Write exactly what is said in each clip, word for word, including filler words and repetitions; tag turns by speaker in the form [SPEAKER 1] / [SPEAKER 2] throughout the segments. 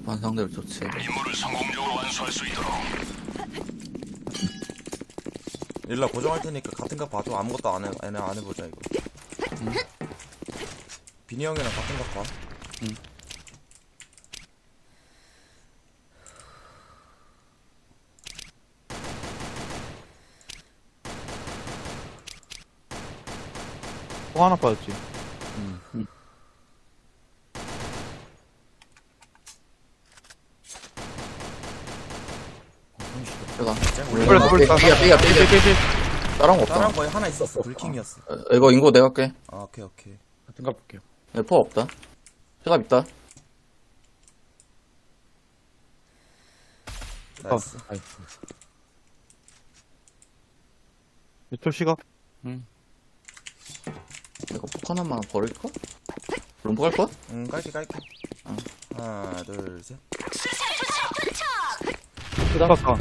[SPEAKER 1] 완성대로 좋지.
[SPEAKER 2] 임무를 성공적으로 완수할 수 있도록.
[SPEAKER 3] 일라 고정할 테니까 같은 각 봐줘. 아무것도 안 해, 안, 해, 안 해보자 이거.
[SPEAKER 1] 응.
[SPEAKER 3] 비니 형이랑 같은 각 봐.
[SPEAKER 1] 응.
[SPEAKER 4] 또 하나 빠졌지.
[SPEAKER 3] 응.
[SPEAKER 1] 응. 내가
[SPEAKER 4] 그래, 더블
[SPEAKER 1] 삐야 삐야 삐야 삐야
[SPEAKER 4] 삐삐삐.
[SPEAKER 1] 다른 거 없다.
[SPEAKER 3] 다른 거에 하나 있었어. 불킹이었어.
[SPEAKER 1] 어, 이거 인고 내가 할게.
[SPEAKER 3] 아 오케이 오케이.
[SPEAKER 4] 같은 거 볼게요.
[SPEAKER 1] 네, 포 없다. 해갑 있다.
[SPEAKER 3] 나이스.
[SPEAKER 4] 아이. 이쪽 시각.
[SPEAKER 1] 이거 폭 하나만 버릴까? 롬프 갈 거야?
[SPEAKER 3] 응 깔게 깔게.
[SPEAKER 1] 어.
[SPEAKER 3] 하나 둘 셋.
[SPEAKER 4] 시각 가.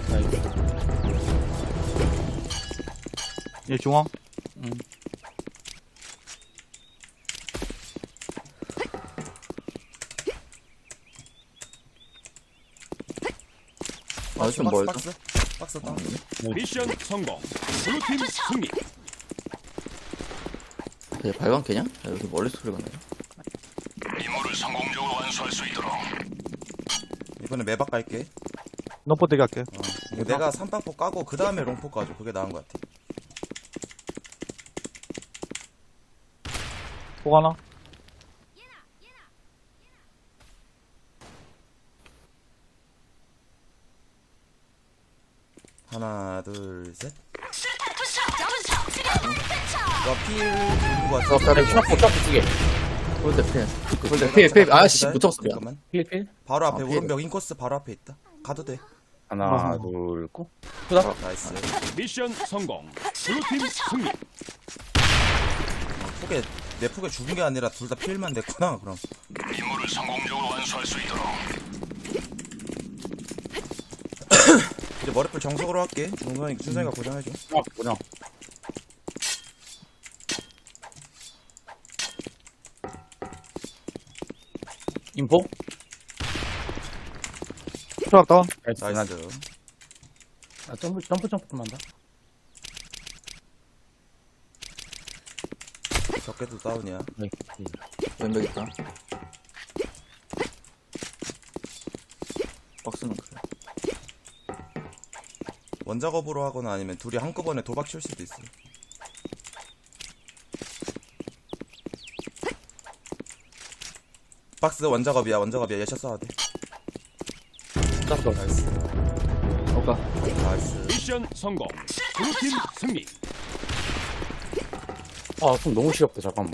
[SPEAKER 4] 얘 중앙.
[SPEAKER 1] 응. 아, 좀 멀다.
[SPEAKER 3] 박스 박스 다운.
[SPEAKER 2] 미션 성공. 블루팀 승리.
[SPEAKER 1] 얘 발광 캐냐? 야, 여기 멀리 소리가 나네.
[SPEAKER 2] 임무를 성공적으로 완수할 수 있도록.
[SPEAKER 3] 이번에 매박 갈게.
[SPEAKER 4] 너포 대기 할게.
[SPEAKER 3] 어. 이거 내가 삼박포 까고 그 다음에 롱포 까줘. 그게 나은 것 같아.
[SPEAKER 4] 폭 하나.
[SPEAKER 3] 하나 둘 셋. 와필 누구 같아?
[SPEAKER 1] 어, 다리
[SPEAKER 5] 샤프 샤프 두개
[SPEAKER 1] 홀대 피해. 홀대 피해, 피해. 아씨, 못 잡았어, 미안.
[SPEAKER 3] 잠깐만.
[SPEAKER 5] 필필
[SPEAKER 3] 바로 앞에
[SPEAKER 1] 아, 필.
[SPEAKER 3] 오른벽 인코스 바로 앞에 있다. 가도 돼.
[SPEAKER 5] 하나
[SPEAKER 4] 아.
[SPEAKER 5] 둘고
[SPEAKER 3] 나이스.
[SPEAKER 2] 미션 성공. 블루팀 승리.
[SPEAKER 3] 폭에 내 폭에 죽은 게 아니라 둘 다 필만 됐구나. 그럼
[SPEAKER 2] 임무를 성공적으로 완수할 수 있도록.
[SPEAKER 3] 이제 머리풀 정석으로 할게. 준성이 준성이가 고정해줘.
[SPEAKER 5] 아 뭐냐 인포
[SPEAKER 4] 시각 다운.
[SPEAKER 3] 나이스.
[SPEAKER 5] 아 점프 점프 점프 좀 한다
[SPEAKER 3] 적게도 다운이야.
[SPEAKER 5] 네
[SPEAKER 1] 왼벽 있다. 박스는 그래.
[SPEAKER 3] 원작업으로 하거나 아니면 둘이 한꺼번에 도박 칠 수도 있어. 박스 원작업이야. 원작업이야. 예샷 쏴야 돼.
[SPEAKER 5] 땄어
[SPEAKER 3] 나이스.
[SPEAKER 1] 오까.
[SPEAKER 3] 나이스.
[SPEAKER 2] 미션 성공. 블루팀 승리.
[SPEAKER 5] 아좀 너무 시렵다 잠깐만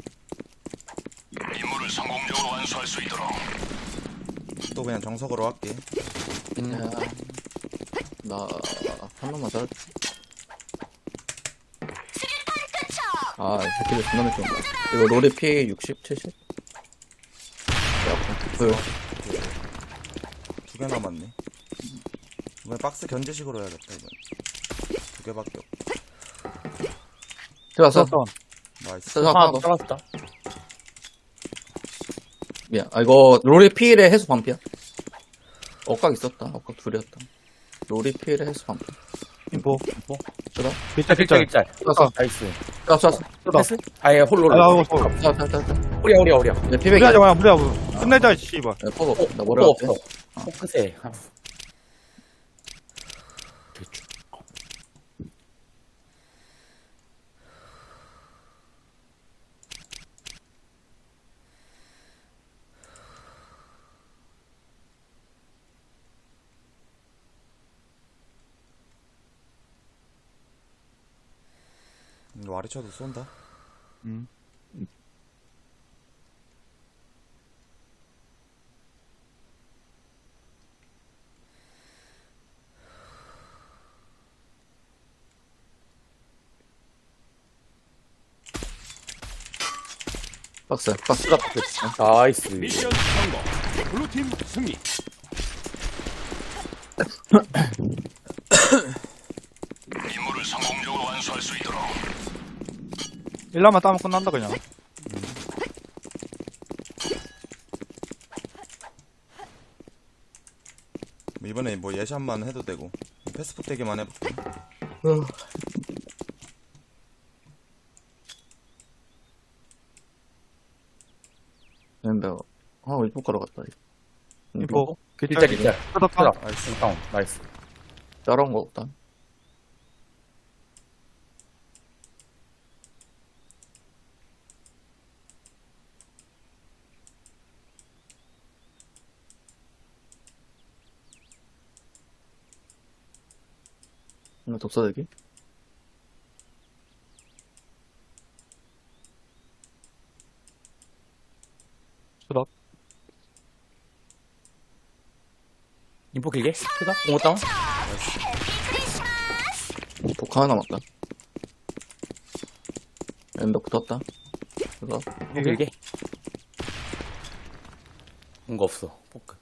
[SPEAKER 2] 임무를 성공적으로 완수할 수 있도록.
[SPEAKER 3] 또 그냥 정석으로 할게.
[SPEAKER 1] 야, 나, 한 번만 더 할게. 아, 이 새끼들 존나 늦게 온다. 이거 롤이 피 육십, 칠십? 야, 보여.
[SPEAKER 3] 두 개 남았네. 이번에 박스 견제식으로 해야겠다. 이번. 두 개밖에 없.
[SPEAKER 1] 들어왔어.
[SPEAKER 4] 시각 다운.
[SPEAKER 3] 나이스.
[SPEAKER 1] 들어왔어.
[SPEAKER 5] 하나
[SPEAKER 1] 하나 더.
[SPEAKER 5] 잘랐다
[SPEAKER 1] 미안. 아, 이거, 롤이 피일에 해수 반피야. 억각 있었다. 억각 둘이었다. 롤이 피일에 해수 반피.
[SPEAKER 4] 인포.
[SPEAKER 5] 인포
[SPEAKER 1] 들어?
[SPEAKER 4] 길짤
[SPEAKER 5] 필짤
[SPEAKER 4] 길짤.
[SPEAKER 5] 필짤
[SPEAKER 1] 쐈어.
[SPEAKER 5] 나이스
[SPEAKER 1] 쐈어, 쐈어.
[SPEAKER 5] 패스 아예 홀로
[SPEAKER 4] 아,
[SPEAKER 5] 홀로
[SPEAKER 4] 이거 쏘.
[SPEAKER 1] 쐈어, 쐈어, 쐈어.
[SPEAKER 5] 오리야 오리야 오리야
[SPEAKER 1] 내 피백이야.
[SPEAKER 4] 무리하지 마, 무리하지 마. 끝내자, 씨발.
[SPEAKER 1] 야, 포고.
[SPEAKER 5] 어,
[SPEAKER 1] 나 뭐라
[SPEAKER 5] 또
[SPEAKER 1] 할게.
[SPEAKER 5] 없어 포크세 대충
[SPEAKER 3] 이거 와리쳐도 쏜다.
[SPEAKER 4] 음.
[SPEAKER 1] 박스, 박스.
[SPEAKER 5] 나이스
[SPEAKER 2] 미션 성공. 블루팀 승리. 임무를 성공적으로 완수할 수 있도록.
[SPEAKER 4] 일라만 따면 끝난다, 그냥.
[SPEAKER 3] 이번에 뭐 예샷만 해도 되고 패스폭 대기만 해볼게.
[SPEAKER 1] 엠베어. 아, 일본 가러 갔다.
[SPEAKER 4] 인포.
[SPEAKER 5] 일자, 일자.
[SPEAKER 4] 끄덕,
[SPEAKER 5] 하나.
[SPEAKER 4] 끄덕.
[SPEAKER 3] 나이스.
[SPEAKER 5] 다운. 나이스.
[SPEAKER 1] 따라온 거 없다. 이거 독사대기?
[SPEAKER 4] 끄덕.
[SPEAKER 5] 인포 길게. 크다. 공호 다운.
[SPEAKER 1] 복화 하나 남았다. 엠베 붙었다. 이거.
[SPEAKER 5] 인포 길게. 뭔가 없어. 포크.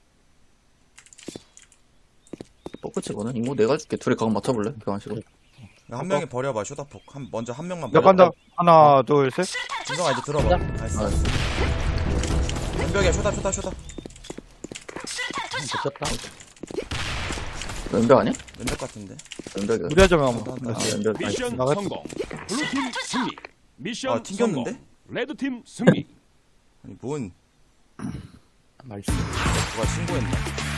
[SPEAKER 1] 뽀끄치거든. 이거 내가 줄게. 둘이 각 맞춰볼래? 교환식으로.
[SPEAKER 3] 한 명이 버려봐 쇼다폭. 한 먼저 한 명만
[SPEAKER 4] 몇
[SPEAKER 3] 버려.
[SPEAKER 4] 간다. 하나, 둘, 셋.
[SPEAKER 3] 진성아 이제 들어봐. 나이스.
[SPEAKER 1] 아,
[SPEAKER 3] 왼벽이야 쇼다 쇼다 쇼다.
[SPEAKER 5] 붙였다.
[SPEAKER 1] 엠베 아니야?
[SPEAKER 3] 왼벽 같은데.
[SPEAKER 1] 엠베가.
[SPEAKER 4] 무리하자면 한번.
[SPEAKER 3] 나-
[SPEAKER 1] 아,
[SPEAKER 3] 나-
[SPEAKER 1] 엠베.
[SPEAKER 6] 미션
[SPEAKER 4] 나갔다.
[SPEAKER 6] 성공. 블루팀 승리. 미션
[SPEAKER 3] 아, 튕겼는데?
[SPEAKER 6] 성공. 레드팀 승리.
[SPEAKER 3] 아니 뭔
[SPEAKER 5] 나이스.
[SPEAKER 3] 누가 신고했나?